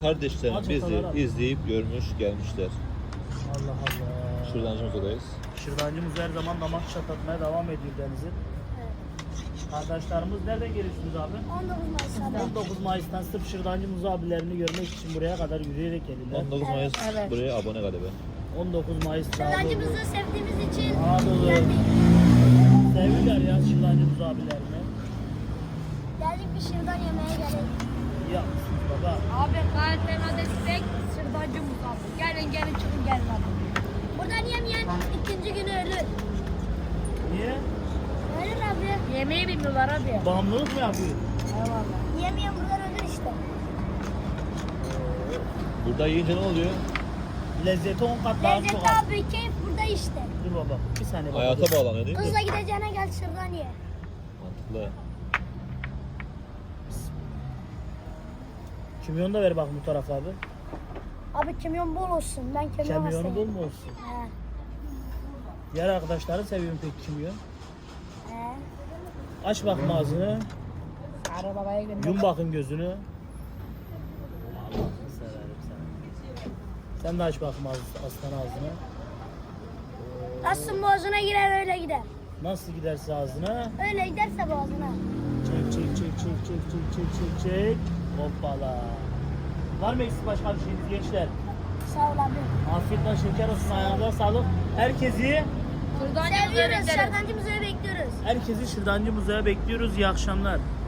Kardeşlerim bizi izleyip görmüş gelmişler. Allah Allah. Şırdancımızdayız. Şırdancımız her zaman damak çatlatmaya devam ediyor Deniz'in. Arkadaşlarımız nereden geliyorsunuz abi? 19 Mayıs abi. 19 Mayıs'tan sırf Şırdancımız abilerini görmek için buraya kadar yürüyerek gelirler. 19 Mayıs evet. buraya abone galiba. 19 Mayıs'ta Şırdancımızı sevdiğimiz için Anadolu. geldik. Seviyorlar ya Şırdancımız abilerini. Geldik bir şırdan yemeye gerek. Ya baba. Abi KTM'de spek sırdancımız abi. Gelin gelin çıkın gelin abi. Buradan yemeyen ikinci günü ölür. Niye? Ölür abi. Yemeği bilmiyorlar abi. Bağımlılık mı yapıyor? Eyvallah. Yemeyen buradan ölür işte. Burada yiyince ne oluyor? Lezzeti 10 kat daha Lezzet çok az. abi keyif burada işte. Dur baba. Bir saniye baba. Hayata bağlanıyor değil mi? Hızla gideceğine gel şırdan ye. Mantıklı. Kimyon da ver bak bu tarafa abi. Abi kimyon bol olsun. Ben kimyon Kimyonu hastayım. bol mu olsun? He. Diğer arkadaşların seviyorum peki kimyon. He. Aç bakma ağzını. Sarı babaya gönder. Yum bakın gözünü. Allah'ını severim seni. Sen de aç bakma aslan ağzını. Nasıl boğazına girer öyle gider. Nasıl giderse ağzına. Öyle giderse boğazına. Çek çek çek çek çek çek çek çek çek. Hoppala. Var mı eksik başka bir şeyiniz gençler? Sağ ol abi. Afiyet olsun, şeker olsun, ayağınıza sağlık. Herkesi Sırdancımızı Seviyoruz. bekleriz. Şırdancımızı bekliyoruz. Şırdancı Muze'ye bekliyoruz. İyi akşamlar.